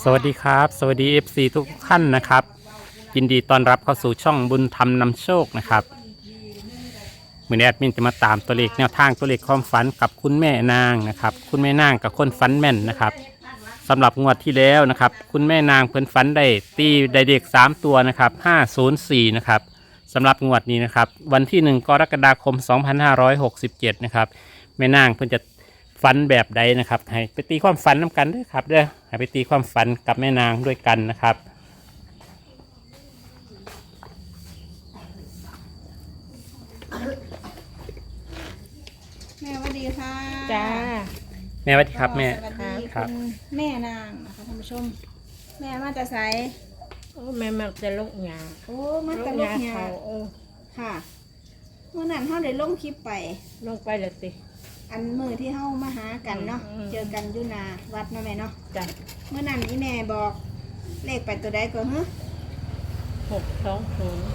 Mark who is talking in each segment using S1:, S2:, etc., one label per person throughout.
S1: สวัสดีครับสวัสดี FC ทุกท่านนะครับยินดีต้อนรับเข้าสู่ช่องบุญธรรมนำโชคนะครับมือนี้แอดมินจะมาตามตัวเลขแนวทางตัวเลขความฝันกับคุณแม่นางนะครับคุณแม่นางกับคนฝันแม่นนะครับสำหรับงวดที่แล้วนะครับคุณแม่นางเพิ่นฝันได้ตีได้เด็ก3ตัวนะครับ504นะครับสำหรับงวดนี้นะครับวันที่1กรกฎาคม2567นะครับแม่นางเพิ่นจะฝันแบบใดนะครับให้ไปตีความฝันน้ากันด้วยครับเด้อให้ไปตีความฝันกับแม่นางด้วยกันนะครับ
S2: แม่สวัสดีค่ะ
S3: จ้า
S1: แม่สวัสดีครับแม่
S2: สวัสดี
S1: ครับ
S2: คุณแม่นางนะคะท่านผู้ชม แม่มาแต่ไส
S3: โอ้แม่มักจะลูกหยา
S2: โอ้มาแต่ลูกยา
S3: เขา
S2: ค่ะเมื่อนั้นเฮาได้ลงคลิปไป
S3: ลงไปเลยสิ
S2: อันมือที่เฮามาหากันเนาะ
S3: อืม
S2: เจอกันอยู่หนาวัดเนาะแม่เนาะ
S3: จ้า
S2: เมื่อนั้นอีแม่บอกเลขไปตัวใดก่อนฮะ
S3: 620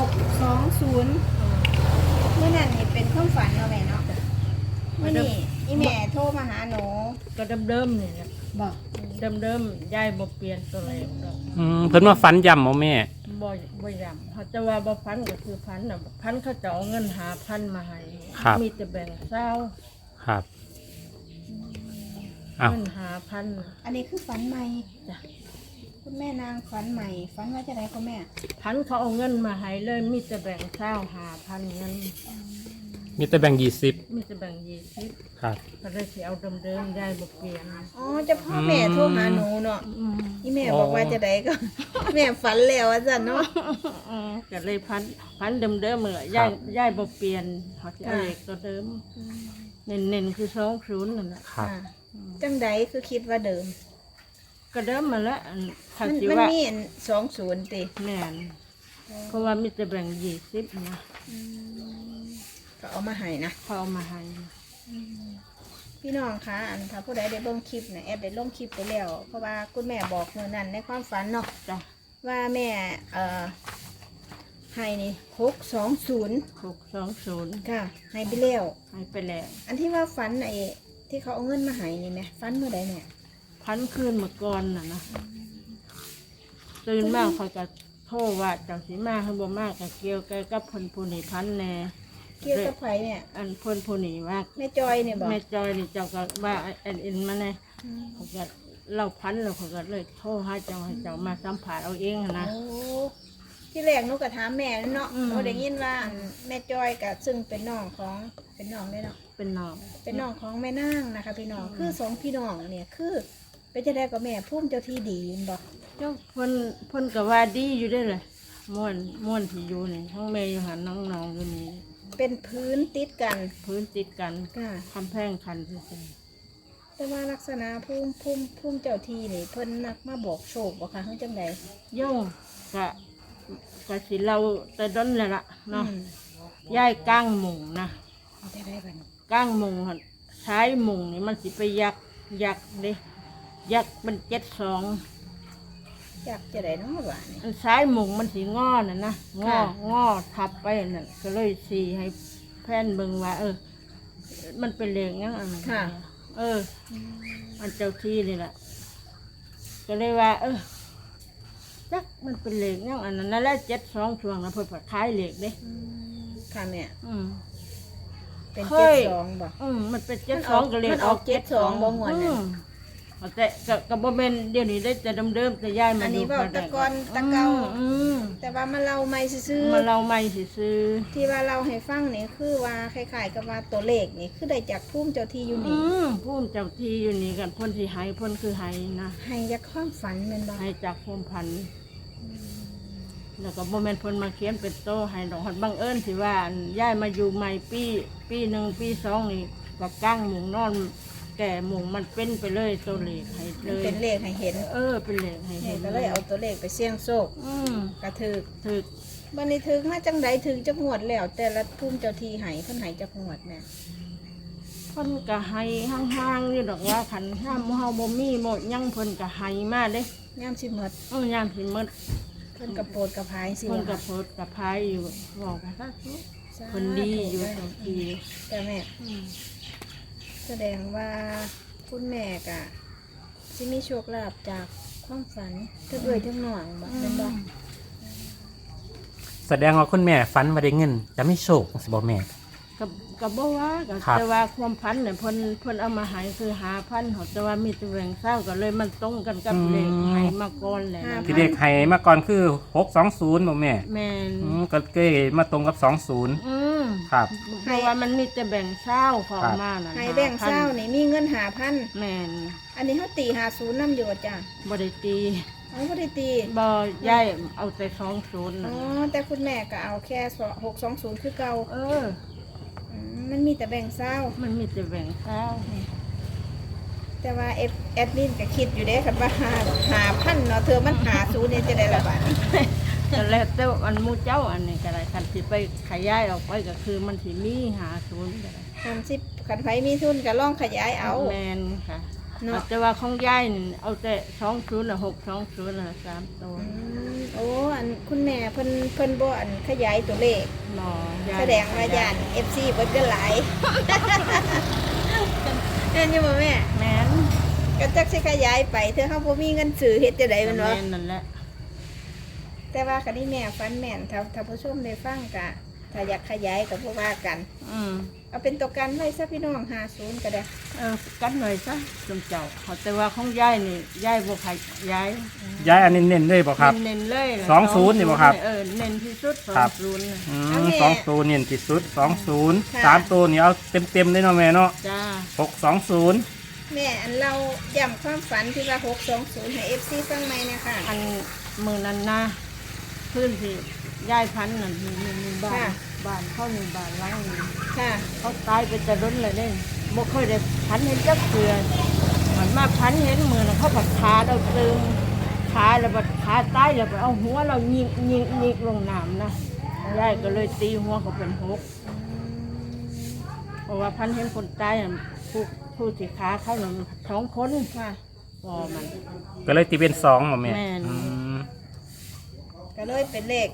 S2: 620เมื่อนั้นนี่เป็นความฝันเนาะแม่เนาะเมื่อนี้อีแม่โทรมาหาหนู
S3: ก็เดิมๆนี่แหละ
S2: บอก
S3: เดิมๆยายบ่เปลี่ยนตัวเลขดอก
S1: เพิ่นมาฝันย่ำเอาแม่
S3: บ่ย้ำเขาจะว่าบ่พันก็คือพันน่ะพันเขาจะเอาเงิน5,000มาให้
S1: ครับ
S3: มีแต่แบ่งเศร้า
S1: ครับอ้าว
S3: เงิน5,000
S2: อันนี้คือฝันใหม่
S3: จ้ะ
S2: คุณแม่นางฝันใหม่ฝันว่าจะได้คุณแม่
S3: พันเขาเอาเงินมาให้เลยมีแต่แบ่งเศร้า5,000เงิน
S1: มีแต่แบ่ง20
S3: มีแต่แบ่ง20
S1: ครับ
S3: ก็เลยสิเอาเดิมๆยายบ่เปลี่ยน
S2: อ๋อจะพ่อแม่โทรหาหนูเนาะ
S3: อืม
S2: นี่แม่บอกว่าจะได้ก็ แม่ฝันแล้วอาจารย์เนาะ
S3: ก็เลยพันเดิมๆเลยย่ายบ่เปลี่ยนเขาจะเอาเลขตัวเดิมเน้นๆคือ20นั่นแหละ
S1: ครับ
S2: อ่าจังใดคือคิดว่าเดิม
S3: ก็เดิมมาแล้วอันถ้า
S2: มัน
S3: สิ
S2: มัน
S3: ว่า
S2: มี20ติ
S3: แน่นเพราะว่ามีแต่แบ่ง20นะ
S2: ก็เอามาให้นะ
S3: เขาเอามาให้
S2: พี่น้องคะอันถ้าผู้ใดได้เบิ่งคลิปเนี่ยแอดได้ลงคลิปไปแล้วเพราะว่าคุณแม่บอกเมื่อนั้นในความฝันเนาะ
S3: จ้ะ
S2: ว่าแม่ให้นี่620
S3: 620
S2: ค่ะให้ไปแล้ว
S3: ให้ไปแล้ว
S2: อันที่ว่าฝันไอ้ที่เขาเอาเงินมาให้นี่แม่ฝันเมื่อใดเนี่ย
S3: พันคืนเมื่อก่อนน่ะนะตื่นมากเขาจะโทษว่าเจ้าสิมาคือบ่มากก็เกี่ยวกับเพิ่นผู้นี้พันแน่
S2: เกี่ยวกับไผเนี่ย
S3: อันเพิ่นผู้นี้ว่า
S2: แม่จอยเนี่ยบอก
S3: แม่จอยนี่เจ้าก็ว่าเอ็นมาไงเขาก็เล่าพันแล้วเขาก็เลยโทรให้เจ้ามาสัมผัสเอาเองนะ
S2: โอ้ที่แรกหนูก็ถามแม่เนาะ
S3: อืม
S2: หนูได้ยินว่าแม่จอยกับซึ่งเป็นน้องของเป็นน้องได้เนาะ
S3: เป็นน้อง
S2: เป็นน้องของแม่นางนะคะพี่น้องคือสองพี่น้องเนี่ยคือเป็นจะได้กับแม่พุ่มเจ้าที่ดีเห็นบอก
S3: เจ้าเพิ่นก็ว่าดีอยู่ได้เลยม่วนที่อยู่นี่ทั้งแม่อยู่หันน้องๆอยู่นี่
S2: เป็นพื้นติดกัน
S3: พื้นติดกัน
S2: ค่ะ
S3: คำแพงคันซื่อ
S2: แต่ว่าลักษณะพุ่มเจ้าที่นี่เพิ่นนักมาบอกโชคบอกค่ะเขาจังใด
S3: ๆโย่กะสิเราแต่ดนเลยล่ะเนาะ
S2: อืม
S3: ย้ายก้างมุงนะ
S2: เอาจะได้บัดน
S3: ก้างมุงหั่นใช้มุงนี่มันสิไปยักเด้ยักมัน72
S2: อยากจะได้เน้องบ้านนี่
S3: อันซ้ายมุงมันสีงอน่ะนะงอ
S2: ค่ะ
S3: งอทับไปนั่นก็เลยสีให้แพนเบิ่งว่า มันเป็นเหลงยังอันนั้นอันเจ้าที่นี่แหละก็เลยว่า จักมันเป็นเหลงยังอันนั้นนั่นแหละ72ช่วงนะเพิ่นก็ขายเหล็กเด้
S2: ค่ะแม่
S3: อืม
S2: เป็น
S3: เฮ้ย
S2: 72บอก
S3: มันเป็น72ก็เลย
S2: มันออก72บ่ม่วนน่ะ
S3: แต่ก็บ่แม่นเดี๋ยวนี้ได้แต่เดิมๆแต่ย้ายมา
S2: อัน
S3: ดู
S2: นี้บอกตะกอนตะเกา
S3: อืม
S2: แต่ว่ามาเราไม่ซื้อ
S3: มาเราไม่ซื้อ
S2: ที่ว่าเราให้ฟังนี่คือว่าคล้ายๆกับว่าตัวเลขนี่คือได้จากพุ่มเจ้าที่อยู่นี่
S3: พูนเจ้าที่อยู่นี่กันพ่นสิหายพ่นคือหายนะ
S2: ให้จากความฝันแมันบ่
S3: หายจากพมพันธุ์แล้วก็บ่แม่นเพ่นมาเขียนเป็นโตให้ดอกหัดบังเอิญสิว่าอันย้ายมาอยู่ใหม่ปีหนึ่งปีสองนี่ก็ก้างหมุงนอนแก่หมุงมันเป็นไปเลยตัวเลขให้เล
S2: มัน
S3: ย
S2: เป็นเลขให้เห็น
S3: เป็นเลขให้
S2: นี่
S3: เห็น
S2: ก็เลยเอาตัวเลขไปเสี่ยงโชค
S3: อืม
S2: กระถึก
S3: ถึก
S2: บันนี้ถึกมาจังใดถึงจักงวดแล้ว แต่ละพุ่มเจ้าที่ให้เพิ่นให้จักงวดแม่
S3: เพ่นก็ให้ห่างๆนี่ดอกว่าขันห้ามเฮาบ่มีหมดยังเพิ่นก็ให้มาเด้
S2: ยามสิหมด
S3: ยามสิหมด
S2: เพิ่นกระโปรดกระพายสิ
S3: เพิ่น
S2: ว่า
S3: ก็โพดกับพายอยู่บอกกันซะ
S2: สาธุ
S3: คนดีอยู่ตรงที
S2: แต่แม่แสดงว่าคุณแม่ก็สิมีโชคลาภจากความฝันทั้งเอ่ยทั้งหน่องบ่เป็นบ่
S1: แสดงว่าคุณแม่ฝันว่าได้เงินจะไม่โชคสิบ่แม่
S3: กับบ่ว่าก็
S1: ครับ
S3: แต่ว่าความพันเนี่ยเพิ่นเอามาใหายคือ5,000เขาแต่ว่ามีแต่แบ่งเศร้าก็เลยมันตรงกันกับเลขใหายมาก่อนแหละนะ
S1: ที่เด็กให้มาก่อนคือ620บ่แม่
S3: แม่น
S1: ก็เก้มาตรงกับ20
S3: อืม
S1: ครับ
S3: เพราะว่ามันมีแต่แบ่งเศร้าของ
S1: ครับ
S3: มาน่ะ
S2: ให้แบ่งเศร้านี่มีเงิน5,000
S3: แม่น
S2: อันนี้เขาตี50นำอยู่จ้ะ
S3: บ่ได้ตี
S2: เขาบ่ได้ตี
S3: บ่ย้ายเอาแต่20
S2: อ๋
S3: น่ะ
S2: อแต่คุณแม่ก็เอาแค่620คือเก่า
S3: เออ
S2: มันมีแต่แบ่งเศร้า
S3: มันมีแต่แบ่งเศร้า
S2: แต่ว่าแอดมินก็คิดอยู่เด้ค่ะว่า5,000เนาะเธอมัน50นี่จะได้ละบาท
S3: แต่แล้วแต่อันหมู่เจ้าอันนี้ก็ได้คันสิไปขยายออกไปก็คือมันสิมี50ก็ได้
S2: คันไผมีทุนก็ลองขยายเอา
S3: แม่นค่ะ
S2: เนาะ
S3: แต่ว่าของยายนี่เอาแต่20น่ะ620น่ะ3ตัว
S2: โอ้อันคุณแม่เพิ่นบ่อันขยายตัวเลข
S3: หมอยาย
S2: แสดงว่าย่าน FC เบิดกันหลาย เห็นอยู่บ่แม่
S3: แม่น
S2: ก็จักสิขยายไปเธอเฮาบ่มีเงินซื้อเฮ็ดจังได๋แม่นบ่
S3: แม่นนั่นแหละ
S2: แต่ว่าคันนี้แม่ฟันแม่นถ้าผู้ชมได้ฟังก็ถ้าอยากขยายก็บ่ว่ากัน
S3: อืม
S2: เอาเป็นตัวกันไว้ซะพี่น้อง50ก็ได้
S3: กันหน่อยซะจมเจ้าเขาแต่ว่าของยายนี่ยายบ่ขายยาย
S1: ย้ายอันเน้นๆเลยบ่ครับ
S3: เน้นๆเลยล่ะ
S1: 20นี่บ่ครับ
S3: เน้นที่สุด
S1: ครับ
S3: 20น่ะ
S1: 2ตัวเน้นที่สุด20 3ตัวนี่เอาเต็มๆเลยเนาะแม่เนาะ
S3: จ้า
S1: 620
S2: แม่อันเราย้ำความฝันที่ว่า620ให้ FC ฟังใหม่นะคะ
S3: อันมือนั้นนะพื้นที่ยายพันธุ์นั่นมีบ้านบ้านเขามีบ้านหลังนึง
S2: ค่ะ
S3: เขาตายไปจะล้นเลยเด้บ่เคยได้พันเห็นจักเทื่อมันมาพันเห็นมือน่ะเขาผัดขาเราตึงขาแล้วบัดขาตายแล้วบัดเอาหัวเรายิงลงน้ำนะยายก็เลยตีหัวเขาเป็นหกเพราะว่าพันเห็นคนตายน่ะผู้ที่ขาเขาหนึ่ง2 คน
S2: ค่ะ
S3: พอมัน
S1: ก็เลยตีเป็น2บ่แม่
S3: แม่น
S2: ก็เลยเป็นเลข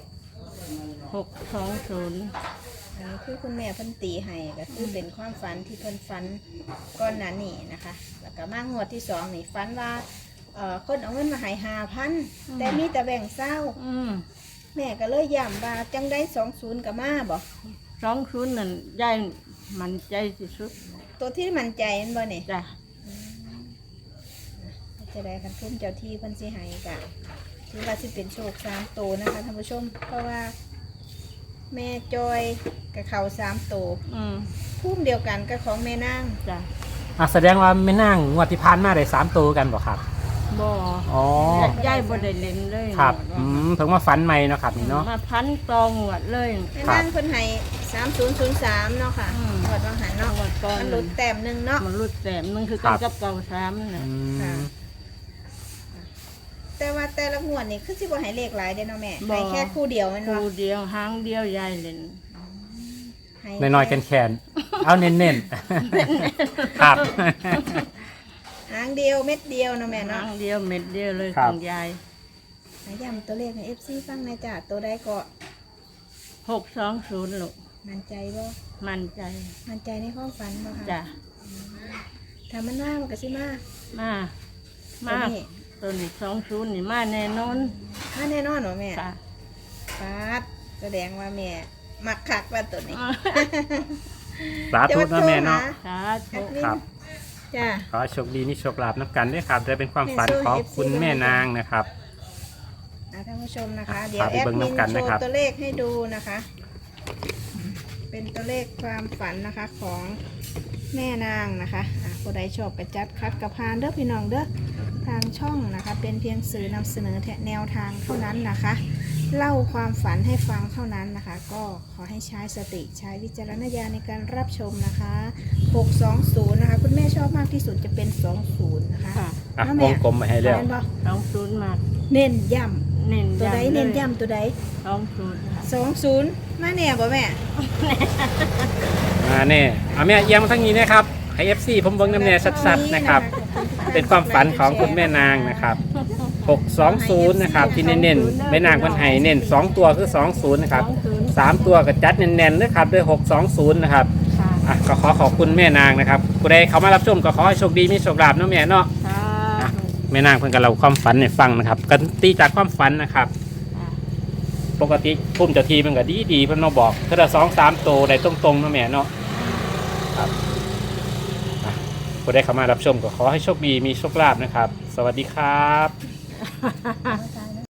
S3: 620
S2: อันนี้คือคุณแม่เพิ่นตีให้ก็คือเป็นความฝันที่เพิ่นฝันก่อนหน้านี้นะคะ แล้วก็มางวดที่2นี่ฝันว่าคนเอาเงินมาให้5,000แต่มีแต่แบ่งเศร้า
S3: อืม
S2: แม่ก็เลยย้ำว่าจังได้20กับมาบ่
S3: 20นั่นยายมันใจที่สุด
S2: ตัวที่มั่นใจแมันบ่นี่
S3: จ้ะ
S2: จะได้คันทุ่มเจ้าที่เพิ่นสิให้กะถือว่าสิเป็นโชค3ตัวนะคะท่านผู้ชม เพราะว่าแม่จอยกับเขา3ตัว
S3: อืม
S2: พุ่มเดียวกันกับของแม่นาง
S3: จ้ะ
S1: แสดงว่าไม่นั่งงวดที่ผ่านมาได้3ตัวกันบ่ครับ
S3: บ่
S1: อ๋อ
S3: ยายบ่ได้เล่นเลย
S1: ครับถึงว่าฝันใหม่เนาะครับนี่เนาะ
S3: มาพันตองหวดเลย
S2: แม่นางเพิ่นให้3003เนาะค่ะ
S3: อืม
S2: หวดวังหันเนาะ
S3: หวดก่อน
S2: มันหลุดแต้มหนึงเนาะ
S3: มันรุดแต้มหนึงคือกันกับเก่า3น่ะ
S2: ค่ะ แต่ว่าแต่ละงวดนี่คือสิบ่ให้เลขหลายเด้เนาะแม่ให้แค่คู่เดียวแม่น
S3: คู่
S2: บ่
S3: เดียวหางเดียวยายเล่น
S2: ให้
S1: น้อยๆแคนๆเอาเน้นๆครับ
S2: หางเดียวเม็ดเดียวเนาะแม่
S3: หา
S2: เนาะ
S3: งเดียวเม็ดเดียวเลย
S1: ครั
S3: ข
S1: บ
S3: องยาย
S2: ให้ย้ำตัวเลขให้ FC ฟังหน่อยจ้ะตัวใดก็
S3: 620ลูก
S2: มั่นใจบ่
S3: มั่นใจ
S2: มั่นใจในความฝันบ่ค่ะ
S3: จ้ะ
S2: ถ้ามันมามันก็สิมา
S3: มา
S2: ตัว
S3: มา
S2: นี้
S3: ตัวนี้20นี่มาแน่นอน
S2: มาแน่นอนเหรอแม่
S3: ค่ะ
S2: ปาดแสดงว่าแม่มักคักว่าตัวนี้
S1: สาธุนะแม่เนาะ
S3: สา
S2: แอ
S3: ธุ
S2: ดมิน
S1: ครับ
S2: จ้า
S1: ขอให้โชคดีมีโชคลาภนับกันด้วยครับได้เป็นความฝันของคุณแม่นางนะครับ
S2: ท่านผู้ชมนะคะ
S1: อ่ะ
S2: เดี๋ยว
S1: พาไป
S2: แอด
S1: เบิ่ง
S2: มิน
S1: น้ำกัน
S2: โช
S1: นะครับ
S2: ว์ตัวเลขให้ดูนะคะ เป็นตัวเลขความฝันนะคะของแม่นางนะคะผู้ใดชอบกระจัดคัดกระพานเด้อพี่น้องเด้อทางช่องนะคะ เป็นเพียงสื่อนำเสนอแนวทางเท่านั้นนะคะ เล่าความฝันให้ฟังเท่านั้นนะคะ ก็ขอให้ใช้สติใช้วิจารณญาณในการรับชมนะคะ620นะคะคุณแม่ชอบมากที่สุดจะเป็น20นะคะ
S3: ค่ะ
S1: อ่ะ
S2: น้า
S1: ว
S2: แม่
S1: งกลมมาให้แล้ว
S2: แม่นบ่
S3: 20มาก
S2: เน้นย้
S3: เน้น
S2: ำตัวใด
S3: ำ
S2: เน้น
S3: ล
S2: ย้ำตัวใด
S3: 20
S2: 20มาแน่บ่แม่
S1: แน่เอาแม่เอียงมาทั้งนี้นะครับให้ FC ผมเบิ่งน้ำแน่ชัดๆนะครับ เป็นความฝันของคุณแม่นางนะครับ620นะครับที่เน้นๆแม่นางคนไห้เน้น2ตัวคือ20นะครับ3ตัวก็จัดแน่นๆนะครับด้วย620นะครับ
S3: ค่ะ
S1: อ่ะก็ขอบคุณแม่นางนะครับผู้ใดเขามารับชมก็ขอให้โชคดีมีโชคลาภเนาะแม่เนาะ
S3: ค่ะ
S1: อ่ะแม่นางเพิ่นก็เล่าความฝันให้ฟังนะครับกันตีจากความฝันนะครับ
S3: อ่า
S1: ปกติพุ่มเจ้าทีมันก็ดีเพิ่นมาบอกถ้า2-3 โตได้ตรงๆเนาะแม่เนาะครับผู้ได้เข้ามารับชมก็ขอให้โชคดีมีโชคลาภนะครับ สวัสดีครับ